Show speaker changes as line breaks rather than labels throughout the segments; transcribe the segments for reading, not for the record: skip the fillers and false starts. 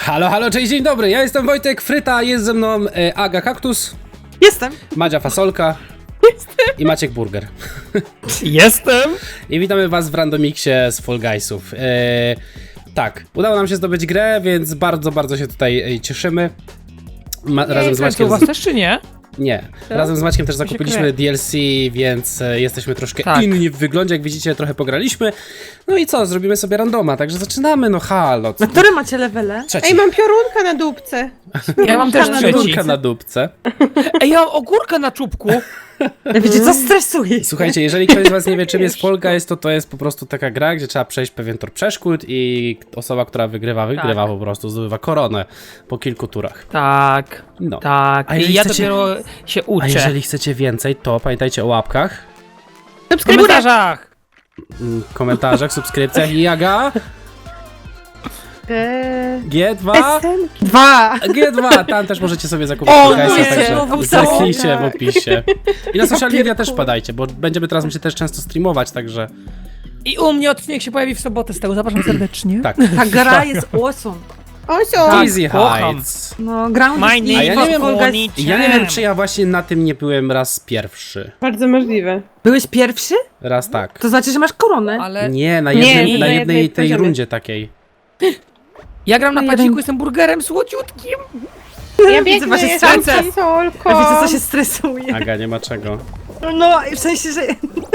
Halo, halo, cześć, dzień dobry, ja jestem Wojtek Fryta, jest ze mną Aga Kaktus.
Jestem.
Madzia Fasolka. I Maciek Burger.
Jestem!
I witamy was w randomiksie z Fall Guysów. Tak, udało nam się zdobyć grę, więc bardzo się tutaj cieszymy. Razem z Maćkiem...
u was też czy nie?
Nie. Razem z Maćkiem też zakupiliśmy DLC, więc jesteśmy troszkę inni w wyglądzie, jak widzicie, trochę pograliśmy. No i co, zrobimy sobie randoma, także zaczynamy, no halo.
Na które macie levele?
Trzeci.
Ej, mam piorunka na dupce.
Ja mam też trzeci.
Górka na dupce.
Ej, ja mam ogórkę na czubku.
Wiecie co, stresuje.
Słuchajcie, jeżeli ktoś z was nie wie, czym jest Fall Guys, to jest po prostu taka gra, gdzie trzeba przejść pewien tor przeszkód i osoba, która wygrywa po prostu, zdobywa koronę po kilku turach.
Tak,
No.
tak.
A
I
jeżeli
ja
chcecie-
dopiero się uczę.
A jeżeli chcecie więcej, to pamiętajcie o łapkach,
W komentarzach!
komentarzach, subskrypcjach i Aga, G2,
Dwa.
G2, tam też możecie sobie zakupić
O,
Fall Guysa,
nie,
także
znowu
zerknijcie w
tak.
opisie. I na social media też
Papierku.
wpadajcie, bo będziemy teraz myślę też często streamować, także
I u mnie odcinek się pojawi w sobotę z tego, zapraszam serdecznie.
tak.
Ta gra jest awesome.
Osio!
Tak.
Easy
kocham.
Heights.
No, ground
My
is
name
A ja nie wiem,
Fall Guys.
Ja nie wiem, czy ja właśnie na tym nie byłem raz pierwszy.
Bardzo możliwe.
Byłeś pierwszy?
Raz tak.
To znaczy, że masz koronę.
Ale
Nie, na
Nie,
jednej,
nie,
na
na
jednej
jednej
tej
poziomie.
rundzie takiej.
ja gram na
No,
padziku,
jeden-
jestem burgerem słodziutkim.
Ja
Widzę
biegnę,
wasze
jestem
serce.
fasolką.
A wiecie co się stresuje?
Aga, nie ma czego.
No, w sensie, że...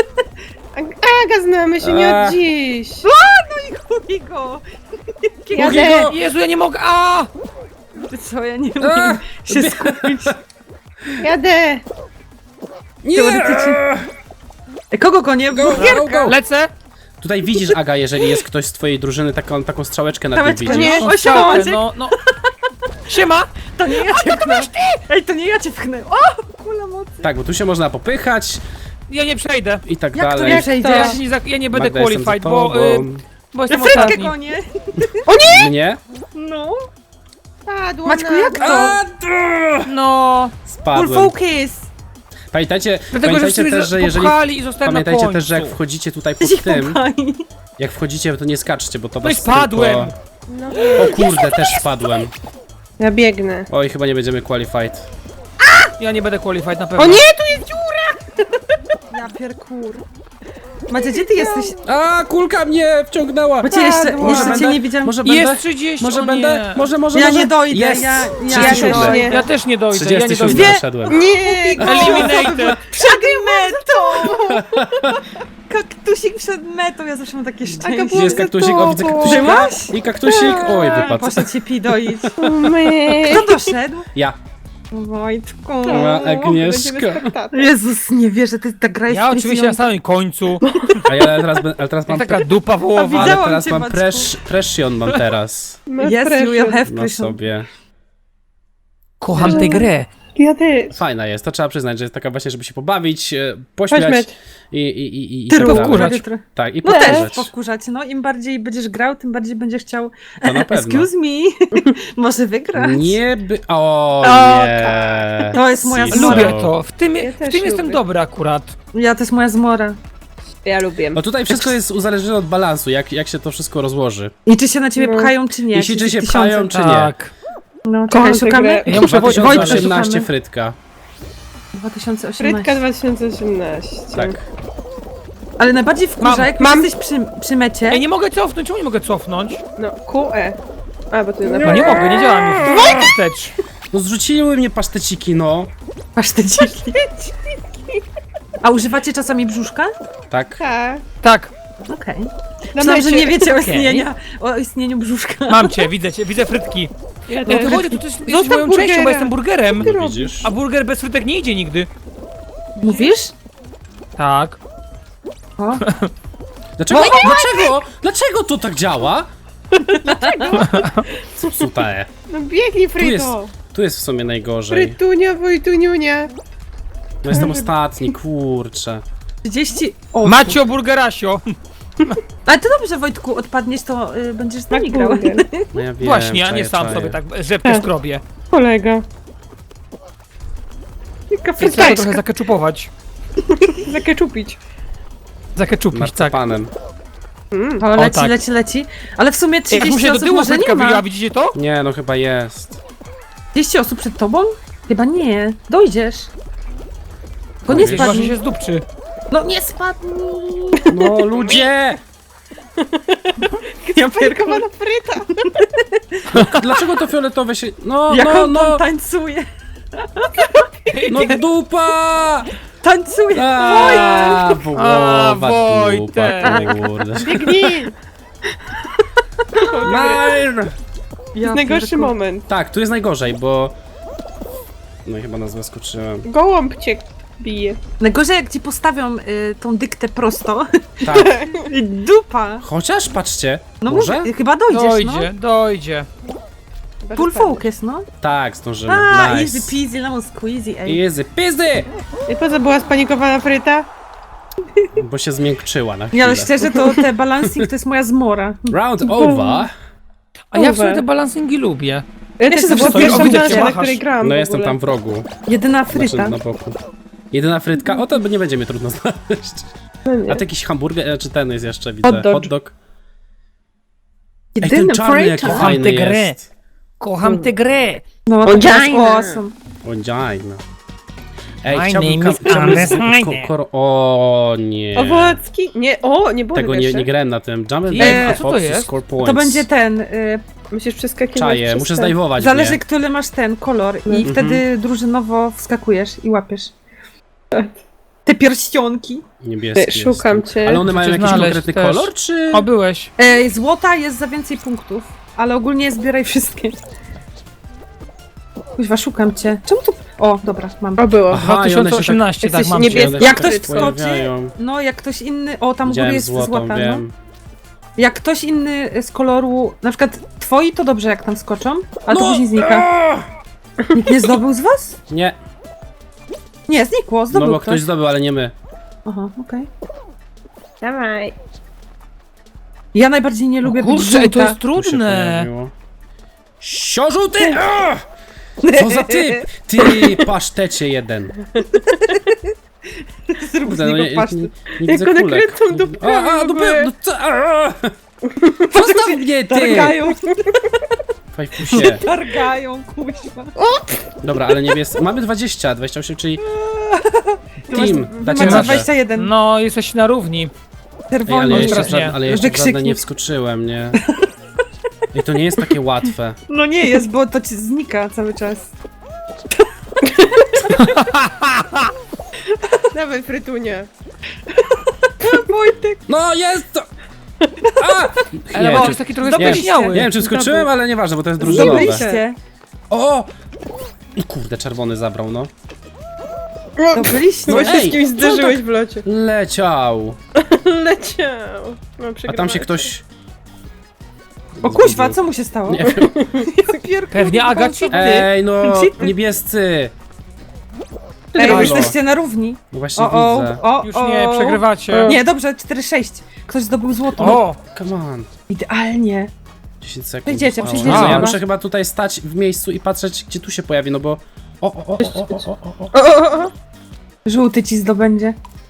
Aga, znamy się nie od dziś.
Chuj go.
Jadę.
Jezu, ja nie mogę, a!
Wiecie co, ja nie umiem się skupić.
Jadę.
Nie!
Teoretycznie. Kogo gonię? Burgierka.
Lecę!
Tutaj widzisz, Aga, jeżeli jest ktoś z twojej drużyny, taką strzałeczkę na tym
Strzałeczkę,
widzisz.
nie?
No,
O,
strzałkę,
Maciek.
no. Siema!
To nie ja cię pchnę. Ej, to nie ja cię pchnę. O, kula mocy.
Tak, bo tu się można popychać
Ja nie przejdę.
i tak
Jak to
dalej.
nie przejdzie?
Ja nie będę
Magda, jestem za
qualified,
tobą.
bo jestem
Frytkę
ostatni.
gonię.
Mnie?
No.
Padła
Maćku,
na
jak
dół.
to?
No,
Full
Spadłem.
focus.
Pamiętajcie,
dlatego, że
pamiętajcie
wszyscy
też, że jeżeli...
popchali i zostałem na
Pamiętajcie
końcu.
też, że jak wchodzicie tutaj
Ty
pod
się
tym,
popchaj.
jak wchodzicie, to nie skaczcie, bo to
No i
was
spadłem.
No.
Tylko... O kurde, też spadłem.
Ja biegnę.
Oj, chyba nie będziemy qualified.
Ja nie będę qualified na pewno.
O nie, tu jest dziura!
Ja pierkur. Macie, gdzie ty jesteś?
A, kulka mnie wciągnęła!
Bo cię jeszcze
Może
cię nie widziałem.
Może będę?
Jest 30,
Może
o
będę?
nie.
Może.
Ja nie dojdę,
Jest!
ja
37.
też nie.
Ja też nie dojdę, ja nie
37
dojdę.
doszedłem.
Nie,
Eliminated!
Przed metą! Kaktusik przed metą, ja zawsze mam takie szczęście.
Gdzie jest kaktusik? O, widzę kaktusika.
Byłaś?
I kaktusik. Oj, wypadł.
Poszedł cię pidoić.
my.
Kto doszedł?
Ja.
Wojtku.
Mała Agnieszka.
Będziemy spektator.
Jezus, nie wierzę, ta gra jest
Ja oczywiście na
stresująca.
samym końcu.
A ja ale teraz mam...
Taka dupa wołowa.
widzę-
Ale
widziałam
teraz
cię,
mam
Maćku.
pression mam teraz
Masz
Yes, you will
pressure.
have
na
pressure.
sobie.
Kocham tę grę.
Ja też.
Fajna jest, to trzeba przyznać, że jest taka właśnie, żeby się pobawić, pośmiać
Pośmiać.
i
Ty
tak dalej.
powkurzać.
Tak, i
No też
powkurzać.
powkurzać, no im bardziej będziesz grał, tym bardziej będziesz chciał
To na pewno.
excuse me, może wygrać.
Nie by... O
O,
nie.
To jest moja
Siso.
zmora.
Lubię to. W tym
też
jestem
lubię.
dobry akurat.
Ja, to jest moja zmora.
Ja lubię.
No tutaj wszystko jest uzależnione od balansu, jak się to wszystko rozłoży.
I czy się na ciebie
No.
pchają, czy nie?
Jeśli czy się
tysiące.
pchają, czy nie.
Tak.
No,
Kocham
czekaj,
tę
szukamy?
grę.
Ja muszę Wojtka
2018
szukamy.
Frytka.
2018.
Frytka 2018.
Tak.
Ale najbardziej wkurza,
Mam.
jak
Mam.
jesteś przy mecie.
Ej, nie mogę cofnąć, czemu nie mogę cofnąć?
No, QE. A, bo tu jest
No nie mogę, nie działa mi wstecz.
No zrzuciły mnie paszteciki, no.
Masz te dziki. A używacie czasami brzuszka?
Tak.
Tak.
Tak,
Okej.
Na
Myślałam, że
mecie.
nie wiecie
Okej.
o istnieniu brzuszka.
mam cię, widzę frytki.
Ja
No
też.
to chodzi, to jesteś
Zostaw
moją częścią,
burgera.
bo jestem burgerem.
No widzisz?
A burger bez frytek nie idzie nigdy.
Mówisz?
Tak.
O.
Dlaczego? Dlaczego to tak działa? Dlaczego?
No biegnij,
Tu jest,
Fryto.
tu jest w sumie najgorzej.
Frytunia, Wojtuniunia.
No jestem ostatni, kurczę.
30. O,
Macio burgerasio.
Ale to dobrze, Wojtku, odpadniesz, to będziesz z nami grał.
Burger.
No ja wiem,
Właśnie, a nie
czaję,
sam
czaję.
sobie tak rzepkę skrobię.
Kolega. Jaka
Więc trzeba
frytajska.
trochę zakeczupować.
Zakeczupić.
Zakeczupić, tak.
Marcepanem.
O, leci,
tak.
leci. Ale w sumie
Jak
30
mu się do
osób
tyłu
może
frytka
nie ma.
wybiła, widzicie to?
Nie, no chyba jest.
30 osób przed tobą? Chyba nie. Dojdziesz. Bo nie
Dojdziesz?
Chyba, że
spadnij.
się zdupczy.
No nie spadnij.
No ludzie!
Sparykowana fryta.
Dlaczego to fioletowe się... No,
Jak
no,
on
no!
tam tańcuje.
No dupa!
Tańcuje.
A,
A,
dupa,
Wojtek.
kurde.
Biegnij.
Nein!
Ja
Najgorszy
pierdolę.
moment.
Tak, tu jest najgorzej, bo... No i chyba nas zaskoczyłem.
Gołąb cię bije.
Najgorzej jak ci postawią tą dyktę prosto.
Tak.
Dupa.
Chociaż, patrzcie,
No
może?
mówię, chyba dojdziesz,
Dojdzie.
no. Full focus, no.
Tak, zdążymy.
A,
Nice.
easy peasy, lemon squeezy, ej.
Easy peasy!
I po co była spanikowana fryta?
Bo się zmiękczyła na
Nie,
chwilę.
ale szczerze, to te balancing to jest moja zmora.
Round over.
A ja w sumie te balansingi lubię.
Ja
też
też
to
to była
stoję,
pierwsza
widzę,
plansza,
cię
na
machasz.
której grałam
No
w
jestem
ogóle.
tam w rogu.
Jedyna
Znaczy
fryta.
na boku. Jedyna frytka? O, to nie będzie mnie trudno znaleźć.
No nie.
A to jakiś hamburger, czy ten jest jeszcze, widzę.
Hot dog.
Hot dog. Ej, ten
Jedyna
czarny jaki
fryta.
Kocham
fajny
tę grę.
jest.
Kocham tę grę.
No, to jest
Vagina.
awesome.
Vagina. Ej,
My
chciałbym...
name is Andres Heine.
O nie.
Owocki? Nie, nie było
Tego nie grałem na tym. Jump and
Nie,
Dunk,
a co to
Foxy,
jest?
Score points.
To będzie ten,
Musisz przeskakiwać
Czaję,
przez
muszę
te-
zdajwować
zależy
mnie.
który masz ten kolor i
Mhm.
wtedy drużynowo wskakujesz i łapiesz. Te pierścionki.
Niebieski
Szukam
jest.
cię.
Ale one mają
Chcę
jakiś
znaleźć
konkretny
też.
kolor, czy...
O, byłeś.
Złota jest za więcej punktów, ale ogólnie zbieraj wszystkie. Kuźwa, szukam cię. Czemu tu... O, dobra, mam.
O, było.
Aha, i one się
2018, tak,
Jesteś
mam
niebieski.
cię.
One się
Jak
tak
ktoś wskoczy,
pojawiają.
no jak ktoś inny... O, tam u góry
Widziałem
jest
złotą,
złota, no.
wiem.
Jak ktoś inny z koloru, na przykład twoi, to dobrze jak tam skoczą, ale to
No!
później znika. Nikt nie zdobył z was?
Nie,
Nie, znikło,
no
zdobył
bo ktoś zdobył, ale nie my.
Aha, okej.
Dawaj.
Ja najbardziej nie lubię być
Kurczę, ej, to
żółta.
jest
Tu się
trudne.
pojawiło. Siożółty! Co za typ! Ty, pasztecie jeden.
Zrób z
Kurde, no
niego
nie, nie,
pasztet.
nie widzę
Jak one
kulek.
kręcą dupkami w ogóle.
No co? Zostaw mnie, ty!
Targają,
Fajfusie.
targają, kuźwa.
Dobra, ale niebiescy. Mamy 20, 28, czyli team.
Wy
Dacie
macie
radę.
21.
No, jesteś na równi.
Ej,
Czerwoni.
ale ja jeszcze,
teraz nie.
ale ja jeszcze w żadne
Wykrzyknik.
nie wskoczyłem, nie? I to nie jest takie łatwe.
No nie jest, bo to ci znika cały czas.
Dawaj, frytunia.
Wojtek.
No jest to! A!
Ale
Nie,
bo
czy-
jest taki trochę
Zdobyliście.
spóźniały.
nie wiem, czy skoczyłem, ale nieważne, bo to jest drużynowe.
Zdobyliście.
O! Kurde, czerwony zabrał, no.
Zdobyliście.
Bo się
ej,
z kimś
co
zderzyłeś
tak-
w locie.
Leciał.
Leciał. No,
A tam się ktoś...
O kuźwa, co mu się stało?
Nie wiem.
Ja pierdolę,
Pewnie Aga
co-
cheaty.
Ej, no,
Cheaty.
niebiescy.
Ej,
Halo.
jesteście na równi.
No właśnie
O,
widzę.
o,
Już nie,
o.
przegrywacie.
Nie, dobrze, 4-6. Ktoś zdobył złoto.
O!
Come on.
Idealnie.
10 sekund.
Przejdziecie,
zostało.
przejdziecie
No, ja
chyba.
muszę chyba tutaj stać w miejscu i patrzeć, gdzie tu się pojawi, no bo... O.
Żółty ci zdobędzie.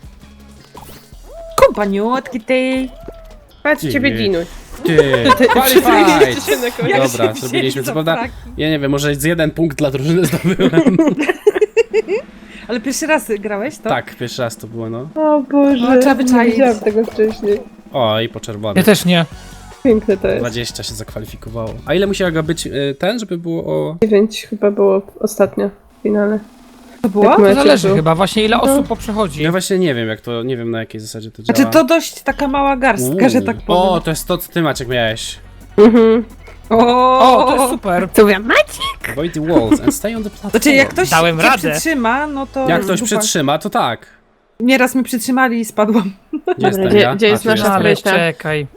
Kompaniutki tej.
Patrz, ciebie dinuś.
Ty, qualified!
Jeszcze się na koniec.
Dobra, zrobiliśmy. Co prawda,
fraki.
ja nie wiem, może z jeden punkt dla drużyny zdobyłem.
Ale pierwszy raz grałeś, to?
Tak, pierwszy raz to było, no.
O Boże,
No, trzeba wyczaić.
nie widziałam tego wcześniej.
O, i po
Ja
czerwonym.
też nie.
Piękne to jest.
20 się zakwalifikowało. A ile musiał być ten, żeby było o...
9 chyba było ostatnio w finale.
To było?
Jak
To
mecz
zależy
był.
chyba, właśnie ile osób poprzechodzi.
Ja właśnie nie wiem, jak to, nie wiem na jakiej zasadzie to działa.
Znaczy to dość taka mała garstka, że tak powiem.
O, to jest to, co ty, Maciek, miałeś.
Mhm.
O, to jest super.
Co ja macie?
Avoid the walls and stay on the platform.
Znaczy jak ktoś
Dałem
cię
radę.
przytrzyma, no to...
Jak ktoś
dupa.
przytrzyma, to tak.
Nieraz mnie przytrzymali i spadłam.
Gdzie jestem
gdzie-
ja?
gdzie jest
tu
nasza
jestem.
Ale
fryta?
czekaj.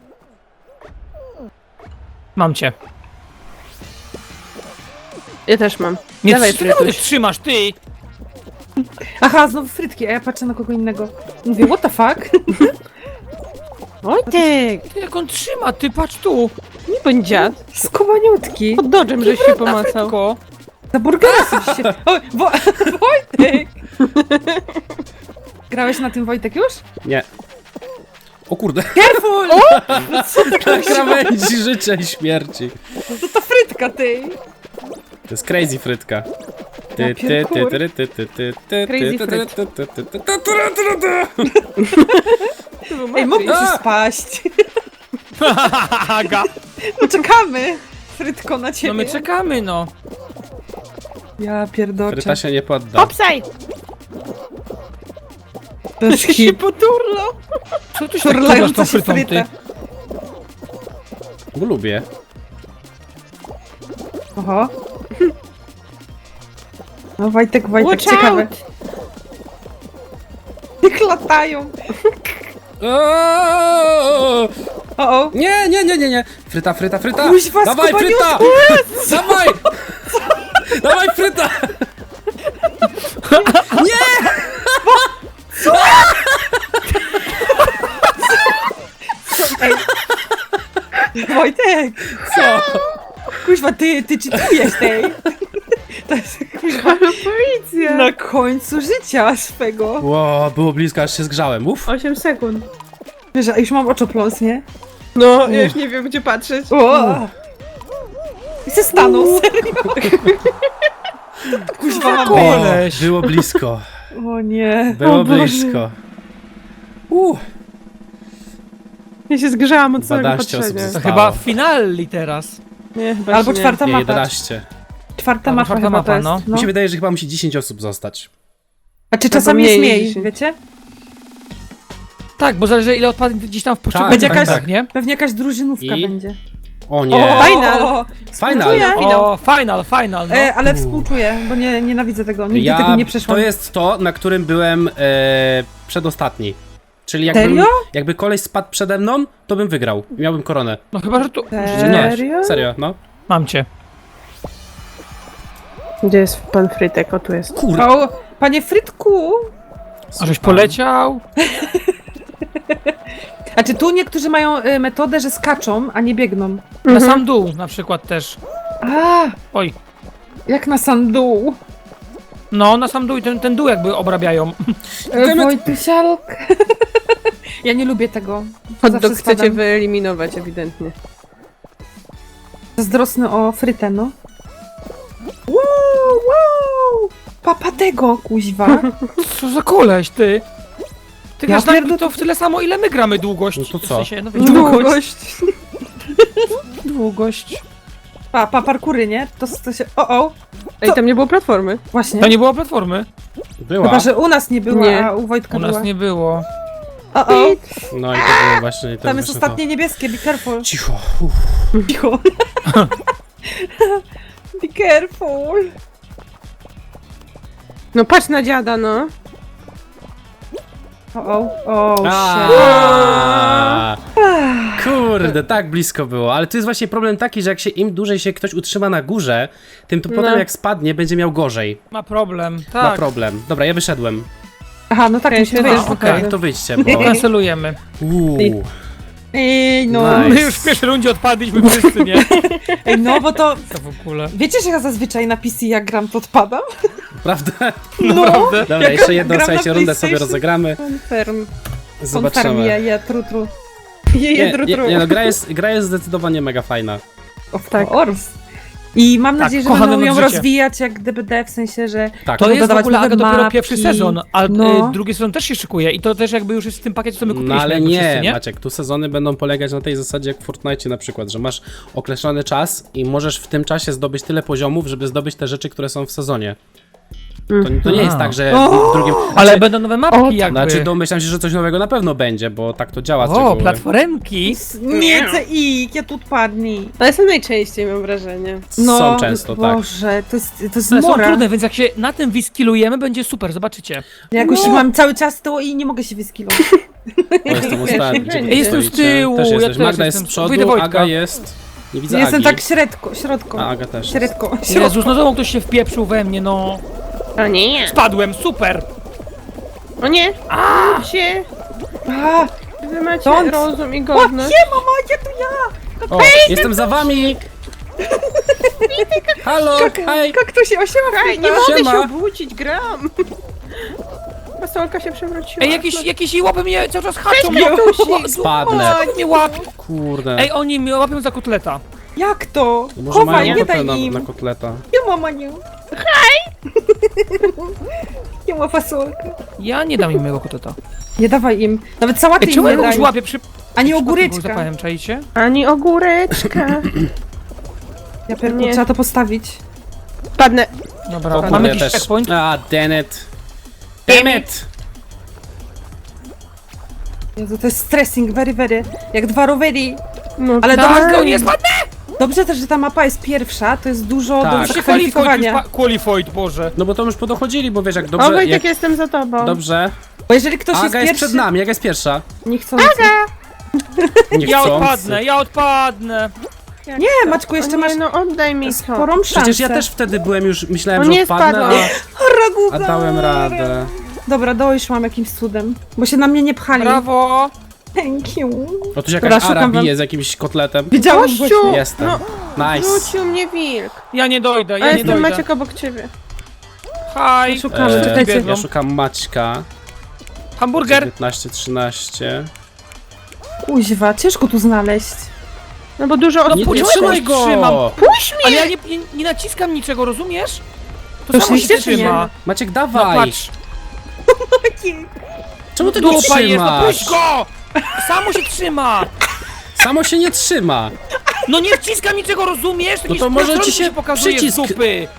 Mam cię.
Ja też mam.
Nie
Dawaj,
ty naprawdę
Frytuś.
trzymasz, ty!
Aha, znowu frytki, a ja patrzę na kogo innego. Mówię, what the fuck?
Wojtek!
Ty jak on trzyma, ty patrz tu!
Nie bądź dziad.
Skubaniutki.
Pod dodżem, żeś się pomacał.
Tylko.
Za burgera sobie się... O, Wojtek! Grałeś na tym, Wojtek, już?
Nie. O kurde,
Careful!
na krawędzi życia i śmierci.
To frytka, ty!
To jest crazy frytka. Ty, ty,
pierkur.
ty, ty, ty, ty, ty,
Crazy
ty,
fryt.
ty, ty, ty, ty, ty, ty, ty.
Ej, mógłbyś już spaść.
Aga.
Poczekamy, frytko, na ciebie.
No my czekamy, no.
Ja pierdolę.
Fryta się nie podda.
Hopsaj!
Bez
Się
hip.
poturlo!
Co ty się tak turlasz
Turlająca
tą
się
frytą, ty?
fryta.
Bo lubię.
Oho. No Wojtek,
Watch
ciekawe.
out!
Jak latają.
Oooo!
O.
Nie, nie, nie, nie, nie. Fryta, fryta, fryta.
Kuźwa,
Dawaj, fryta!
skubaniutku!
Dawaj! Dawaj, fryta! Nie!
Ej. Wojtek!
Co?
Kuźwa, ty czytujesz tej. To jest kuźwa
Ale policja!
na końcu życia swego.
Ło, było blisko, aż się zgrzałem. Uf.
8 sekund.
Wiesz, a już mam oczopląs, nie?
No, ja już nie wiem gdzie patrzeć.
O! I se stanął, serio. Kuźwa, mam
Koleś.
Było blisko.
O nie.
Było
O Boże.
blisko.
Ja się zgrzałam od całego
12 osób
patrzenia.
To
zostało.
chyba finali teraz.
Nie, chyba
Albo
się nie.
czwarta
Nie,
mapa.
11.
Czwarta
Albo
mapa
czwarta
chyba
mapa,
to jest.
no.
No.
Mi się wydaje, że chyba musi 10 osób zostać.
A czy czasami jest
mniej
mniej,
dzisiaj.
wiecie?
Tak, bo zależy ile odpadnie gdzieś tam w poszczególnych
Będzie jakaś-
momentach, nie?
Pewnie jakaś drużynówka
I?
będzie.
O nie.
Final.
Final.
O, final, no.
Ale współczuję, bo nienawidzę tego. Nigdy
Ja,
tego nie przeszłam.
to jest to, na którym byłem przedostatni. Czyli
Serio?
jakby koleś spadł przede mną, to bym wygrał. Miałbym koronę.
No chyba, że tu...
Nie,
Serio?
serio, no.
Mam cię.
Gdzie jest pan Frytek? O, tu jest.
Kurde.
O, panie Frytku!
A żeś poleciał?
A czy tu niektórzy mają metodę, że skaczą, a nie biegną?
Na sam dół na przykład też.
A,
Oj.
jak na sam dół.
No, na sam dół i ten dół jakby obrabiają.
Wojtusialk. Ja nie lubię tego.
Hot
Zawsze
dog chcecie
spadam.
wyeliminować ewidentnie.
Zazdrosny o frytę, no. Wow! Papa tego, kuźwa.
Co za koleś, ty? Ty
Ja
grasz na
pierdolę-
to w tyle samo, ile my gramy długość.
No to co?
W sensie, no wiecie,
Długość.
długość.
Parkury, nie? To się... O!
Ej, tam nie było platformy.
Właśnie.
To nie było platformy.
Była.
Chyba, że u nas nie było,
Nie.
a u Wojtka
U nas
była.
nie było.
O!
No i to było właśnie. To
Tam jest
właśnie
ostatnie niebieskie, be careful.
To. Cicho. Uf.
Cicho. Be careful.
No patrz na dziada, no.
O, shit.
Aaaa. Kurde, tak blisko było. Ale tu jest właśnie problem taki, że jak się im dłużej się ktoś utrzyma na górze, tym to potem jak spadnie, będzie miał gorzej.
Ma problem,
Ma
tak.
problem. Dobra, ja wyszedłem.
Aha, no tak,
Ja
mi się
się
wyjść.
też
okej.
Tak, to wyjdźcie, bo...
Kancelujemy.
Uuu.
Ej, no.
Nice.
My już w pierwszej rundzie odpadliśmy wszyscy, nie?
Ej, no, bo to...
Co w ogóle?
Wiecie, że ja zazwyczaj na PC jak gram, to odpadam?
Prawda?
Naprawdę?
Dobra, jeszcze jedną,
gram na
słuchajcie, rundę sobie
PlayStation.
rozegramy.
Confirm.
Zobaczymy.
Je, tru.
Nie, no gra jest zdecydowanie mega fajna.
Of
Tak.
course. I mam
Tak,
nadzieję, że
kochane
będą ją
życie.
rozwijać jak DBD, w sensie, że...
Tak.
To
Będą
jest w
dodawać
ogóle,
nowe
Aga, dopiero
mapki.
pierwszy sezon, a
No.
drugi sezon też się szykuje i to też jakby już jest w tym pakiecie, co my kupiliśmy.
No ale
jakby
nie,
wszyscy, nie?
Maciek, tu sezony będą polegać na tej zasadzie jak w Fortnite na przykład, że masz określony czas i możesz w tym czasie zdobyć tyle poziomów, żeby zdobyć te rzeczy, które są w sezonie. To nie jest tak, że w drugim...
Ale
Znaczy,
będą nowe mapki jakby.
Znaczy domyślam się, że coś nowego na pewno będzie, bo tak to działa z
O,
reguły.
platformki.
Nie, CX, ja tu odpadnij.
Ale są najczęściej, mam wrażenie.
Są często, tak.
Boże, to jest
One są
mora.
trudne, więc jak się na tym wiskilujemy, będzie super, zobaczycie.
Ja jakoś mam cały czas to i nie mogę się wyskilować.
O, jestem ostatni. Gdzie wy
Jestem z
stoicie?
tyłu,
Też
ja
jesteś.
też
Magda jest z
jestem.
przodu,
Wyjdę Wojtka.
Aga jest... Nie widzę
Jestem
Agi.
tak środko.
A, Aga też jest.
Średko.
Jezus, no znowu ktoś się wpieprzył we mnie, no.
O nie.
Spadłem, super.
O nie. Się.
A,
Wy macie
Don't.
rozum i
o,
godność.
nie, mama, ja to ja!
O, jestem za wami! Halo, hej!
Jak to się osiema?
Hej, nie mogę
Siema.
się obudzić, gram. fasolka się przewróciła.
Ej, jakieś łapy mnie cały czas haczą.
Spadnę.
Mnie łapią.
Kurde.
Ej, oni mnie łapią za kotleta.
Jak to?
To może
Chowaj,
mają
nie
ochotę
daj im.
na kotleta.
Nie mama nie. Hej! Nie ma fasolka.
Ja nie dam im mojego kotleta.
Nie dawaj im. Nawet sałaty
Ej,
im
czemu
nie
ja kogoś
daj.
łapię przy...
Ani
Kogoś
ogóreczka.
zapałem, czaicie?
Ani ogóreczka.
Ja pierdolę,
Nie.
trzeba to postawić.
Padnę.
Dobra,
O, kurde,
mamy
ja
jakiś
też.
checkpoint?
Damn it. Damn it!
Jezu, to jest stressing, very. Jak 2 rowery.
No,
Ale
Tak,
dobrze,
no nie spadnę!
dobrze też, że ta mapa jest pierwsza, to jest dużo
Tak.
do
Się
Się
zakwalifikowania.
qualified, Boże.
No bo to już podochodzili, bo wiesz jak
O,
dobrze...
Wojtek,
Jak,
jestem za tobą.
dobrze.
Bo jeżeli ktoś
Aga
jest
jest
pierwszy,
przed nami, Aga jest pierwsza.
nie chcący.
Nie
Ja
chcący.
odpadnę, ja odpadnę.
Nie, Maćku, jeszcze
O nie,
masz
no oddaj mi to.
sporą szansę.
Przecież ja też wtedy byłem już, myślałem,
O
że
nie,
odpadnę,
spadłam.
a dałem radę.
Dobra, doszłam jakimś cudem. Bo się na mnie nie pchali.
Brawo.
Thank you.
O, tu
Dobra,
jakaś Ara
szukam wam-
bije z jakimś kotletem.
Widziałam
Gościu!
właśnie.
Jestem.
No,
Nice.
wrócił mnie wilk.
Ja nie dojdę,
A
ja nie
jestem
dojdę.
Maciek obok ciebie.
Hi.
Szukamy,
Eee,
czekajcie.
Ja szukam Maćka.
Hamburger.
19, 13.
Kuźwa, ciężko tu znaleźć.
No bo dużo osób...
Nie
Czemu ja
trzymaj
go trzymam?
go!
Puść mnie!
Ale ja nie naciskam niczego, rozumiesz? To
To
samo się
oczywiście, czy nie?
trzyma.
Maciek,
No
dawaj!
patrz.
Czemu ty go
Dupa jest, no puść
trzymasz?
go! Samo się trzyma!
Samo się nie trzyma.
No nie wciskam niczego, rozumiesz?
No to może ci się
pokazuje
przycisk-
z dupy.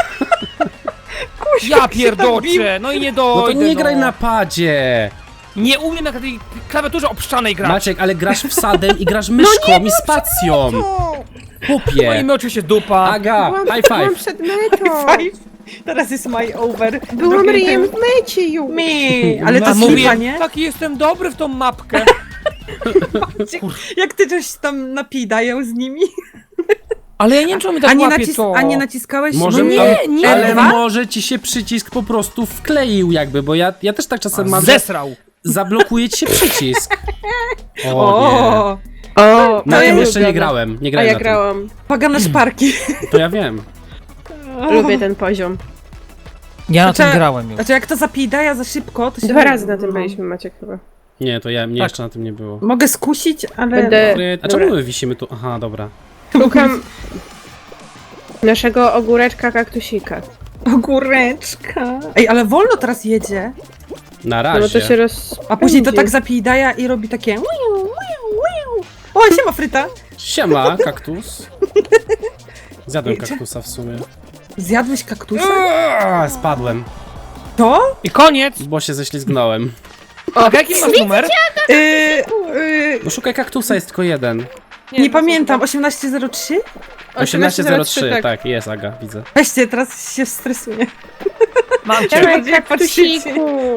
Ja pierdoczę, no i nie
No
dojdę,
to nie graj na padzie.
Nie umiem na tej klawiaturze obszczanej grać.
Maciek, ale grasz wsadem i grasz myszką i spacją.
No i
Chłopie.
my oczywiście dupa.
Aga, high
Byłam
five.
przed metą.
Five. Teraz jest my over.
Byłam
Drugie
ryjem
ten-
w mecie już.
Mi, ale
No,
to
A
słucha,
mówię,
nie?
taki jestem dobry w tą mapkę.
Jak ty coś tam napij dają z nimi?
Ale ja nie wiem, czy on mi tak łapie to.
A nie naciskałeś?
Może
no
nie,
ale
R2?
może ci się przycisk po prostu wkleił jakby, bo ja też tak czasem mam, że
Zesrał.
zablokuje ci się przycisk. O nie.
O,
O,
Na
to
tym
ja
jeszcze nie
lubię.
grałem, nie
A
grałem
ja
na tym.
grałam.
pagane szparki.
To ja wiem.
Lubię ten poziom.
Ja na tym
Znaczy-
grałem już.
Znaczy jak to zapij daja za szybko, to się...
2 razy na tym byliśmy, Maciek, chyba.
Nie, to ja, mnie
Tak.
jeszcze na tym nie było.
Mogę skusić, ale...
Będę...
A czemu my wisimy tu? Aha, dobra.
Szukam naszego ogóreczka kaktusika.
Ogóreczka. Ej, ale wolno teraz jedzie.
Na
No bo to
razie.
się roz...
A później to tak zapij daja i robi takie... O, siema fryta.
Siema, kaktus. Zjadłem
Idzie.
kaktusa w sumie.
Zjadłeś kaktusa?
Spadłem,
To?
I koniec.
bo się ześlizgnąłem.
A jaki masz numer?
No szukaj kaktusa, jest tylko jeden.
Nie pamiętam, 1803?
1803, tak, jest Aga, widzę.
Weźcie, teraz się stresuję.
Mam cię.
Dawaj,
Jak patrzycie.
kaktusiku!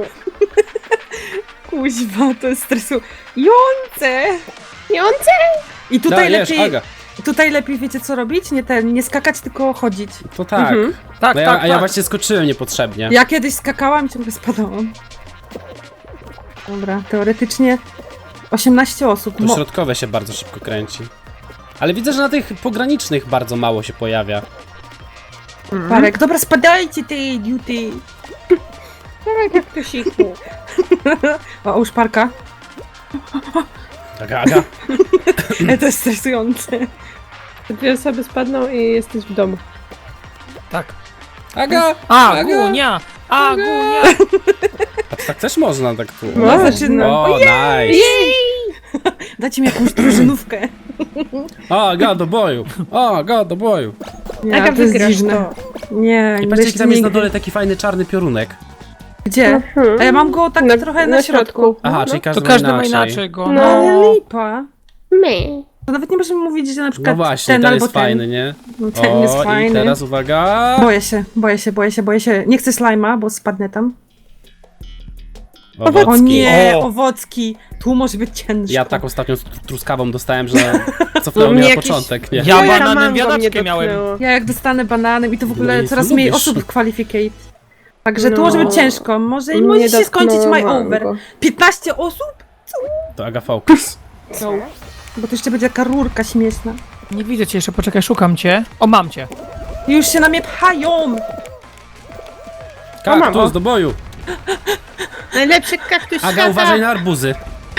Kuźwa, to jest stresujące.
Jące!
I tutaj
Dajesz,
lepiej,
Aga.
tutaj lepiej wiecie co robić? Nie skakać, tylko chodzić.
To tak.
Tak,
No ja,
tak,
a ja
tak.
właśnie skoczyłem niepotrzebnie.
Ja kiedyś skakałam i ciągle spadałam. Dobra, teoretycznie 18 osób.
To środkowe się bardzo szybko kręci. Ale widzę, że na tych pogranicznych bardzo mało się pojawia.
Parek, dobra, spadajcie ty idioty.
Dawaj, kaktusiku.
O, już parka.
Aga, Aga.
To jest stresujące.
2 osoby spadną i jesteś w domu.
Tak.
Aga!
Agunia! Agunia!
A to tak też można, tak tu.
No, zaczynam.
O, nice!
Dajcie mi jakąś drużynówkę.
O, Aga, do boju! O, Aga, do boju!
Nie,
Aga,
to jest
wygrasz
dziwne.
to.
Nie,
I
nie
patrzcie, jaki tam jest na
nigdy.
dole taki fajny czarny piorunek.
Gdzie? A ja mam go tak trochę na środku.
Aha,
No.
czyli
To
każdy,
każdy ma
inaczej.
inaczej go.
No.
No.
Ale lipa.
My.
To nawet nie możemy mówić, że na
No
przykład
właśnie,
ten
ten
albo
jest
ten.
fajny, nie?
No, ten jest
O,
fajny.
i teraz uwaga!
Boję się. Nie chcę slajma, bo spadnę tam. O
Owocki.
nie,
O.
owocki. Tu może być ciężko.
Ja tak ostatnio z truskawą dostałem, że cofnęło
No
mnie
mnie
na
jakieś-
początek, nie?
Ja
Moja
bananem
mango
wiadaczkę
mnie
miałem.
dotknęło.
Ja jak dostanę bananem i to w ogóle
No i
coraz
co
mniej
lubisz?
osób w qualificate. Także tu
No.
może być ciężko. Może
Nie
może się skończyć my
dotknęło
over.
mango.
15 osób?
To Aga Focus.
Bo to jeszcze będzie taka rurka śmieszna.
Nie widzę cię jeszcze, poczekaj, szukam cię. O, mam cię.
Już się na mnie pchają!
Kaktus, do boju!
Najlepszy kaktus
Aga,
świata.
uważaj na arbuzy.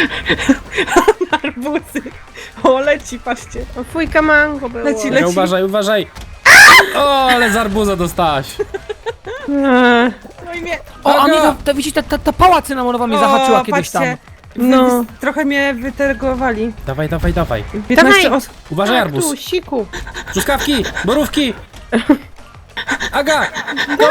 Arbuzy. O, leci, patrzcie.
O, fujka mango było.
Leci,
Aga, uważaj. O, ale z arbuza dostałaś.
No i mnie...
O,
Aga!
Amiga, to widzisz, ta pała cynamonowa mnie zahaczyła kiedyś tam.
patrzcie.
No.
Trochę mnie wytergowali.
Dawaj.
15
Dawaj.
osób.
Uważaj arbuz.
Kaktusiku.
Truskawki, borówki. Aga, go!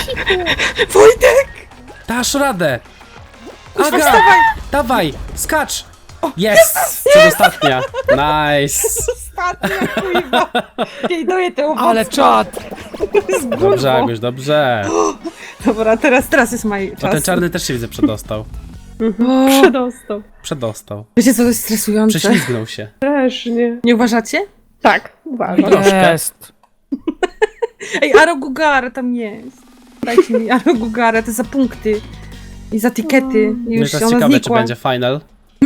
Wojtek!
Dasz radę.
Kuźwa,
Aga,
wstawaj!
dawaj, skacz. Jest, przedostatnia. Nice.
Ostatnia, kuźwa. Jej, doję te owoce.
Ale czad!
Dobrze, Aguś, dobrze.
Dobra, teraz jest mój
O,
czas.
ten czarny też się widzę przedostał.
Przedostał.
Przedostał.
Wiecie co, to jest stresujące.
Prześlizgnął się.
Strasznie.
Nie uważacie?
Tak, uważam.
Troszkę.
Jest.
Ej, Arogugara tam jest. Dajcie mi Arogugara, to za punkty. I za tikety. I
No
już
teraz
ona
ciekawe, czy
znikła.
będzie final.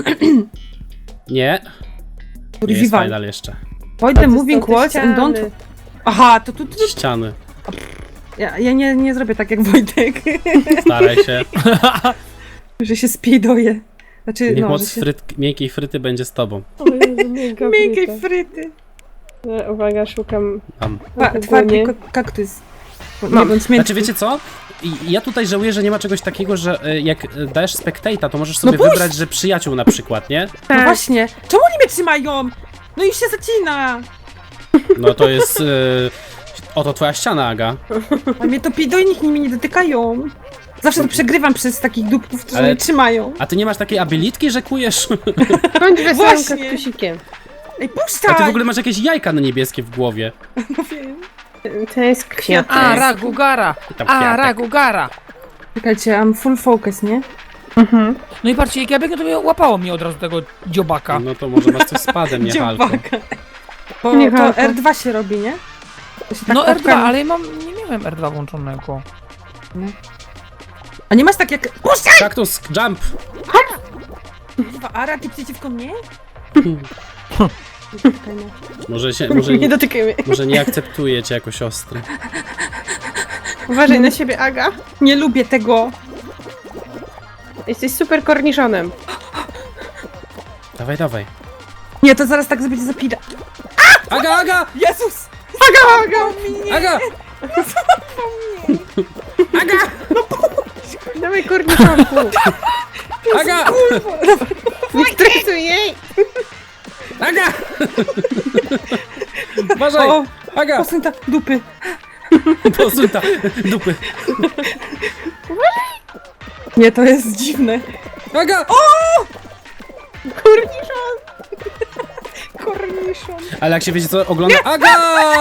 Nie, nie jest
Revival.
final jeszcze.
Avoid the moving walls and don't... Aha, to tu...
Ściany.
Ja nie zrobię tak jak Wojtek.
Staraj się.
Że się spijdoję. Znaczy,
Niech
no,
moc
że się...
miękkiej fryty będzie z tobą.
O Jezu, miękka
Miękkiej
fryta.
fryty.
Uwaga, szukam.
Tam.
Twardy kaktus.
Mam.
Nie,
Znaczy wiecie co? Ja tutaj żałuję, że nie ma czegoś takiego, że jak dajesz spectate'a, to możesz sobie
puść!
wybrać, że przyjaciół na przykład, nie?
No właśnie. Czemu oni mnie trzymają? No i się zacina.
No to jest... oto twoja ściana, Aga.
A mnie to pido i nikt nimi nie dotykają. Zawsze to przegrywam przez takich dupków, którzy
Ale-
mnie trzymają.
A ty nie masz takiej abilitki, że kujesz?
Bądź wesołym
Właśnie.
kaktusikiem.
Ej,
A
puszczaj!
ty w ogóle masz jakieś jajka na niebieskie w głowie.
To jest kwiatek.
A, Ragugara!
I tam
A,
kwiatek.
Ragugara!
Czekajcie, mam full focus, nie?
No i patrzcie, jak ja biegnę, to mnie łapało mnie od razu tego dziobaka.
No to może masz coś z padem, nie halką.
Dziobaka. Bo
Nie
to
halko.
R2 się robi, nie? To się tak
No R2,
łapkami-
ale ja nie miałem R2 włączonego.
A nie masz tak jak... Puszczaj!
Kaktus, jump!
Kurwa, Ara, ty przeciwko mnie?
Nie dotykaj mnie.
Może nie akceptuje cię jako siostry.
Uważaj na siebie, Aga.
Nie lubię tego.
Jesteś super korniszonem.
Dawaj.
Nie, to zaraz tak będzie zapida.
Aga!
Jezus!
Aga!
Dawaj korniszonku.
Aga!
Nie stresuj jej.
Aga! Uważaj!
O,
Aga!
posuń tak dupy.
Posuńta! Dupy!
Nie, to jest dziwne.
Aga!
Korniszon.
Korniszon.
Ale jak się wiecie co ogląda... Aga!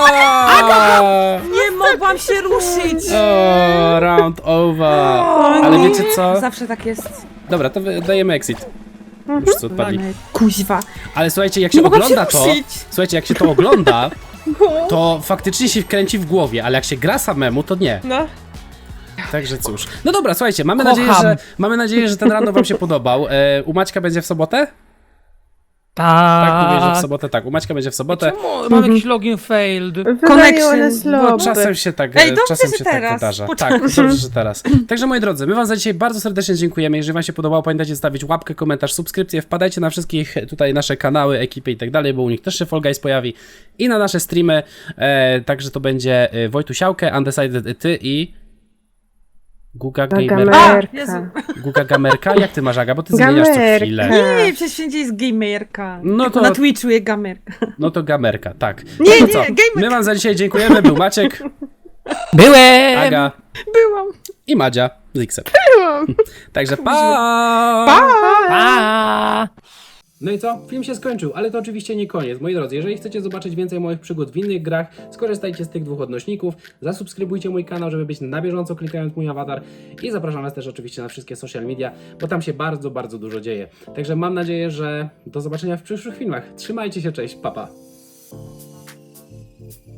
Nie mogłam się ruszyć.
O, round over. Ale
nie.
wiecie co?
Zawsze tak jest.
Dobra, to dajemy exit. Już co odpadli.
Kuźwa.
Ale słuchajcie, jak
Nie
się
mogłam
ogląda
się
to...
ruszyć.
Słuchajcie, jak się to ogląda, to faktycznie się kręci w głowie, ale jak się gra samemu, to nie.
No.
Także cóż. No dobra, słuchajcie, mamy
Kocham.
nadzieję, że ten random wam się podobał. U Maćka będzie w sobotę? Tak, mówię, że w sobotę tak. U Maćka będzie w sobotę.
Mam jakiś login failed.
Wydaje one
Connection,
slow.
Czasem się tak,
Ej, dobrze,
czasem
że
się tak
teraz.
wydarza.
Poczekaj.
Tak, dobrze, że teraz. Także moi drodzy, my wam za dzisiaj bardzo serdecznie dziękujemy. Jeżeli wam się podobało, pamiętajcie zostawić łapkę, komentarz, subskrypcję. Wpadajcie na wszystkich tutaj nasze kanały, ekipy i tak dalej, bo u nich też się Fall Guys pojawi. I na nasze streamy. Także to będzie Wojtusiałkę, Undecided ty i... Guga Gamerka.
A,
Gamerka.
Jezu.
Guga Gamerka? Jak ty masz, Aga? Bo ty zmieniasz co
Gamerka.
chwilę.
Nie, przecież wszędzie jest gamerka.
No
Tylko
to-
na Twitchu jest gamerka.
No to Gamerka, tak.
Nie,
No to
nie,
co?
Gamerka.
My wam za dzisiaj dziękujemy. Był Maciek,
Byłem!
Aga
Byłam.
i Madzia z X-em.
Byłam.
Także pa!
Pa!
No i co? Film się skończył, ale to oczywiście nie koniec. Moi drodzy, jeżeli chcecie zobaczyć więcej moich przygód w innych grach, skorzystajcie z tych dwóch odnośników, zasubskrybujcie mój kanał, żeby być na bieżąco klikając mój awatar i zapraszam was też oczywiście na wszystkie social media, bo tam się bardzo, bardzo dużo dzieje. Także mam nadzieję, że do zobaczenia w przyszłych filmach. Trzymajcie się, cześć, pa pa!